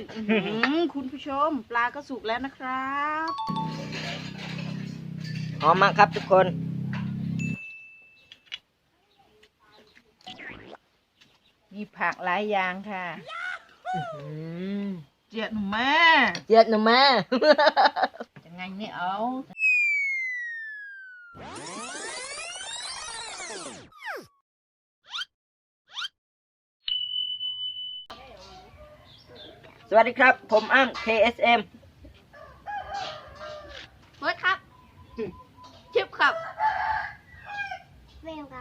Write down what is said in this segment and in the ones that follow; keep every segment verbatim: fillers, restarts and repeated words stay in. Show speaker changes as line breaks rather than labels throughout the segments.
คุณผู้ชมปลาก็สุกแล้วนะครับ
หอมมากครับทุกคน
มีผักหลายอย่างค่ะเจียดหนูแม่
เจียดหนูแม่
ยังไงไม่เอา
สวัสดีครับผมอ้ำ เค เอส เอ็ม
เบิร์ดครับชิปครับเวลครับ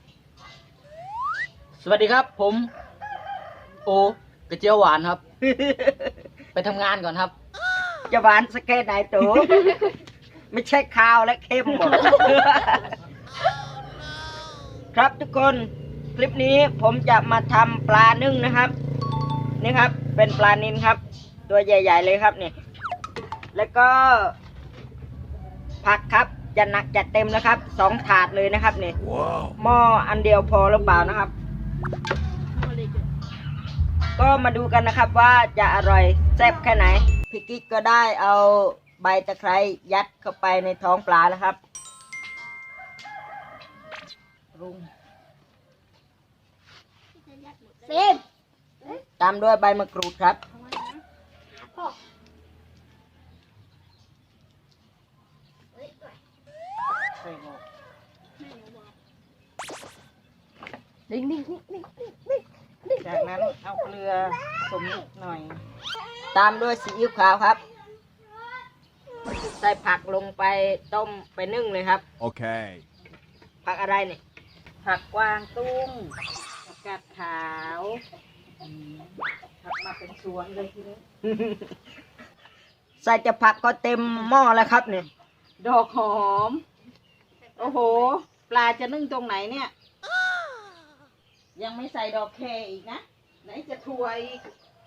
สวัสดีครับผมโอกระเจียวหวานครับ ไปทำงานก่อนครับจะหวานสเกตไหนตัวไม่ใช่ข้าวและเค็มหมด ครับทุกคนคลิปนี้ผมจะมาทำปลานึ่งนะครับนี่ครับเป็นปลานิลครับตัวใหญ่ๆเลยครับนี่แล้วก็ผักครับจะหนักจัดเต็มนะครับสองถาดเลยนะครับนี่ wow. หม้ออันเดียวพอหรือเปล่านะครับก็มาดูกันนะครับว่าจะอร่อยแซ่บแค่ไหนพี่กิ๊กก็ได้เอาใบตะไคร้ยัดเข้าไปในท้องปลาแล้วครับรุง
เซฟ
ตามด้วยใบมะกรูดครับ
ดิ้งดิ้งดิ้งดิ้ง
ดิ้งจากนั้นเอาเกลือสมนิดหน่อย
ตามด้วยซีอิ๊วขาวครับใส่ผักลงไปต้มไปนึ่งเลยครับ
โอเค
ผักอะไรเนี่ย
ผักกวางตุ้งผักกาดขาวผักมาเป็นสวนเลยทีนี้
ใส่จะผักก็เต็มหม้อแล้วครับเนี่ย
ดอกหอมโอ้โหปลาจะนึ่งตรงไหนเนี่ยยังไม่ใส่ดอกแคอีกนะไหนจะถั่วอีก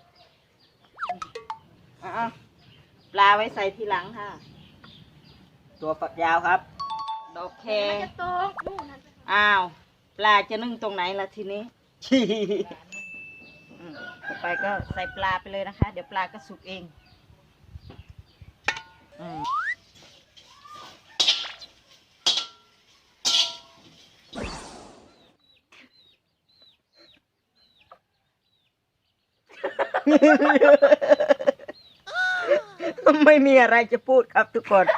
อ่ะปลาไว้ใส่ทีหลังค่ะ
ตัวฝักยาวครับ
ดอกแค
อ้
าวปลาจะนึ่งตรงไหนล่ะทีนี้ต่อไปก็ใส่ปลาไปเลยนะคะเดี๋ยวปลาก็สุกเองอืม
ไม่มีอะไรจะพูดครับทุกคน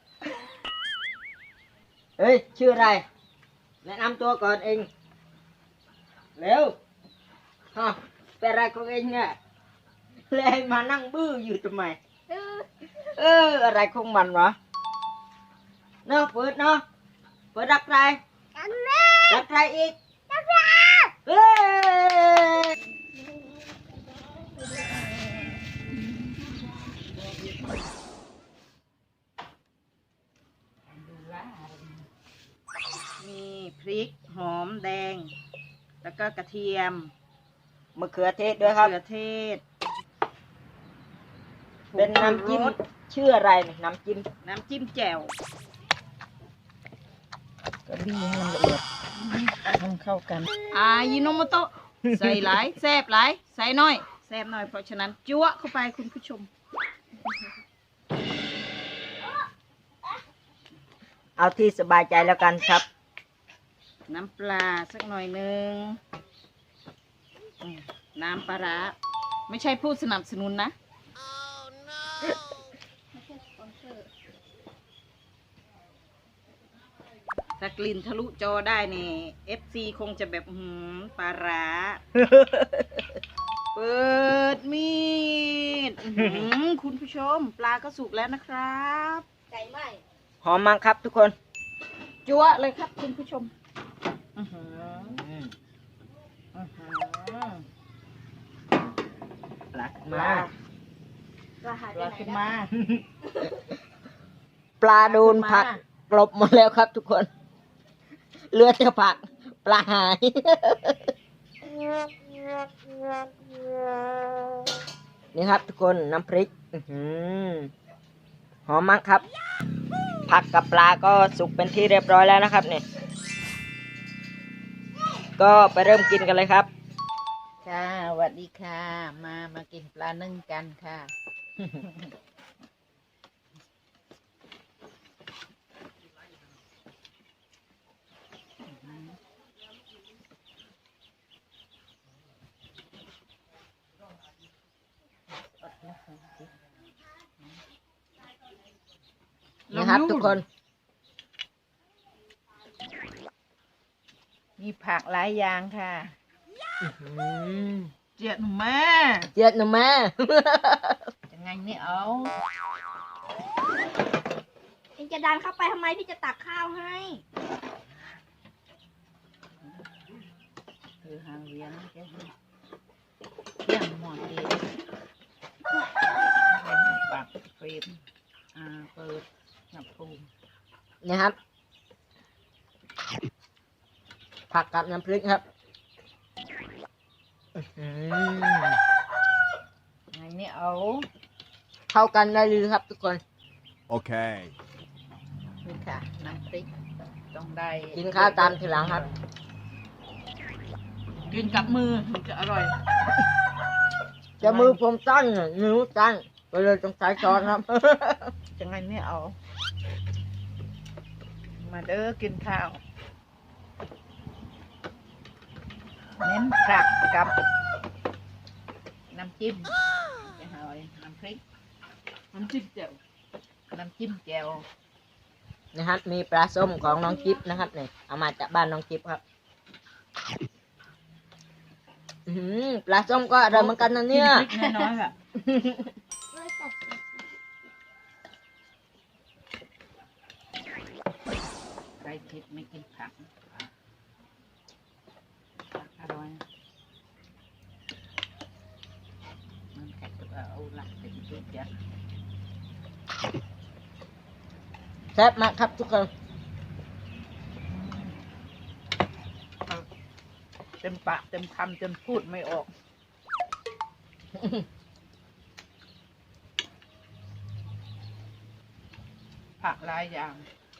เฮ้ยชื่ออะไรแนะนำตัวก่อนเองเร็วฮะเป็นอะไรของเองเนี่ยเลยมานั่งบื้ออยู่ทำไมเอออะไรของมันวะเนาะเปิดเนาะเปิดรักใครรักใครอีกรักใครเฮ้ย
มีพริกหอมแดงแล้วก็กระเทียม
มะเขือเทศด้วยครับ
มะเขือเทศ
เป็นน้ำจิ้มชื่ออะไรเนี่ยน้ำจิ้ม
น้ำจิ้มแจ่ว
ก็บี้ให้มันละเอียดให้มันเข้ากัน
อายิโนโมโตะใส่หลายแซ่บหลายใส่น้อยแซ่บน้อยเพราะฉะนั้นจั๊วเข้าไปคุณผู้ชม
เอาที่สบายใจแล้วกันครับ
น้ำปลาสักหน่อยหนึ่งน้ำปลาร้าไม่ใช่ผู้สนับสนุนนะถ้ากลิ่นทะลุจอได้เนี่ย เอฟ ซี คงจะแบบหืมปลาร้าเปิดมีดคุณผู้ชมปลาก็สุกแล้วนะครับ
ไก่ไหม
หอมมากครับทุกคน
จั๊วเลยครับคุณผู้ชมอือหืออือหือ
ปลาขึ้นมา
ปลาขึ้นมา
ปลาโดนผักกลบหมดแล้วครับทุกคนเหลือแต่ผักปลาหายนี่ครับทุกคนน้ำพริกหอมมากครับผักกับปลาก็สุกเป็นที่เรียบร้อยแล้วนะครับเนี่ยก็ไปเริ่มกินกันเลยครับ
ค่ะสวัสดีค่ะ มามากินปลานึ่งกันค่ะ
นะครับทุกคน
มีผักหลายอย่างค่ะ
อืม
เจียดหนูแม่
เจ็ดหนูแม่
ยังไงนี่เอา
เองจะดันเข้าไปทำไมพี่จะตักข้าวให้
คือหางเวียนแค่นี้เที่ยงหมดดีปากเฟรมอ่าเปิดหนับภูมิ
นะครับ ผักกับน้ำพริกครับอื้อหือ
ยังไงนี่เอา
เข้ากันได้เลยครับทุกคน
Okay.
นี่ค่ะน้ำพริกต้องได้
กินข้าวตามทีหลังครับ
กินกับมือถึงจะอร่อย
จะมือผมสั้นน่ะนิ้วสั้นก็เลยต้องใช้ช้อนครับ
ยังไงนี่เอา มาเด้อกินข้าวเน้นผักกับน้ำจิ้มจะหอยน้ำพริกน้ำจิ้มแจ่วน้ำจิ้มแจ่ว
นะครับ มีปลาส้มของน้องจิ๊บนะครับเนี่ยเอามาจากบ้านน้องจิ๊บครับอื้อหือปลาส้มก็อร่อยเหมือนกันนะเนี่ย
กินพริกน้อยๆค่ะ ใครคิดไม่กินผักผักอร่อยมันแค่ตัวเอาหลักเป็นจุดยักษ์
แซ่บมากครับทุกคน
เต็มปากเต็มคำจนพูดไม่ออก ผักหลายอย่าง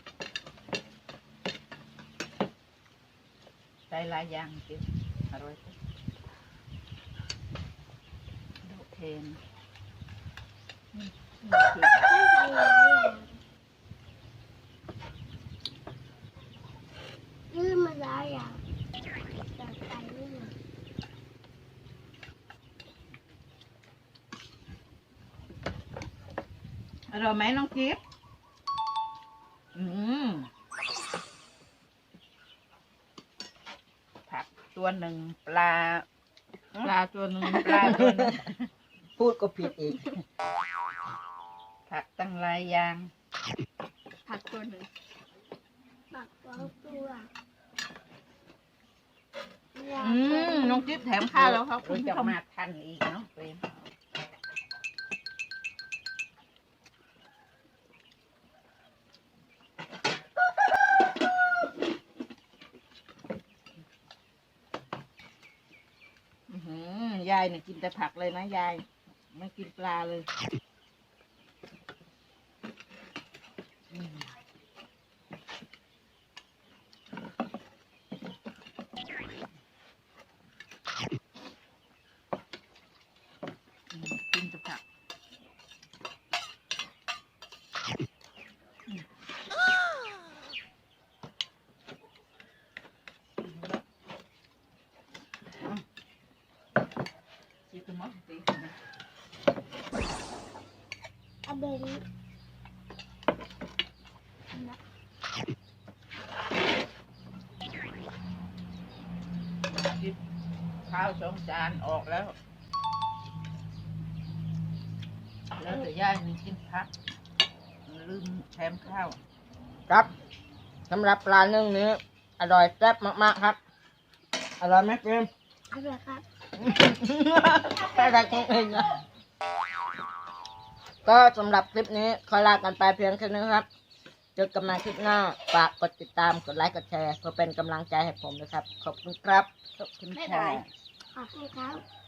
ใส่หลายอย่างกินอร่อยจังดอกเทนนี่นี่คือ
ยืมมาแล้วอ่ะจัดไปนี่
อร่อยไหมน้องกิฟต์อืมผักตัวหนึ่งปลา ปลาตัวหนึ่งปลาตัวหนึ่ง
พูดก็ผิดอีก
ผักตั้งหลายอย่าง
ผักตัวหนึ่งผักสองตัว
อืมน้องจิ๊บแถมข้าวแล้วครับคุณจะมาทันอีกเนาะเฟรมอื้อหือยายเนี่ยกินแต่ผักเลยนะยายไม่กินปลาเลยอืมอืมกินแต่ผักอืมอืมChị tôi mất một tí rồi nè.
อะเบน
Chịข้าวสองจานออกแล้ว แล้วแต่ย่ามีกินผักลืมแถมข้าว
ครับสำหรับปลานึ่งนี้อร่อยแซ่บมากๆครับ อร่อยไหมเฟรม
อร่อยครับ
แค่ได้ของเองนะก็สำหรับคลิปนี้ขอลากันไปเพียงแค่นี้ครับ เจอกันใหม่คลิปหน้า ฝากกดติดตาม กดไลค์ กดแชร์เพื่อเป็นกำลังใจให้ผมนะครับ ขอบคุณครับ
ขอบคุณ
ไม่
ค่ะ
ได้ ขอบคุณครับ